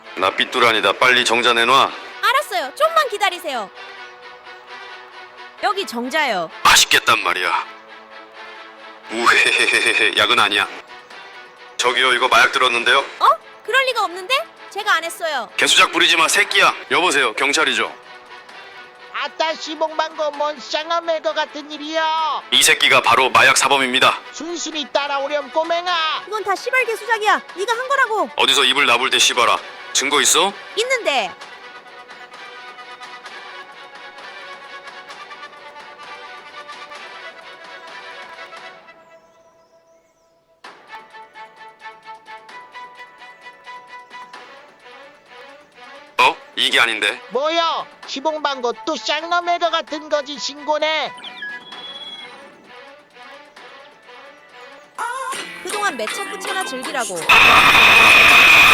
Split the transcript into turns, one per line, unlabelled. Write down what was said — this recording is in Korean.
나 삐뚤아니다. 빨리 정자 내놔.
알았어요. 좀만 기다리세요. 여기 정자요.
맛있겠단 말이야. 우헤헤헤헤. 약은 아니야. 저기요, 이거 마약 들었는데요?
어? 그럴 리가 없는데? 제가 안 했어요.
개수작 부리지 마, 새끼야. 여보세요, 경찰이죠?
아따 시봉방고 뭔 쌍아매 거 같은 일이야.
이 새끼가 바로 마약 사범입니다.
순순히 따라오렴 꼬맹아.
그건 다 시발개 수작이야. 네가 한 거라고.
어디서 입을 나불 때 씹어라. 증거 있어?
있는데.
어? 이게 아닌데.
뭐야 시봉방고 또 쌍아매 거 같은 거지 신고네.
그동안 매차 꾸차나 즐기라고.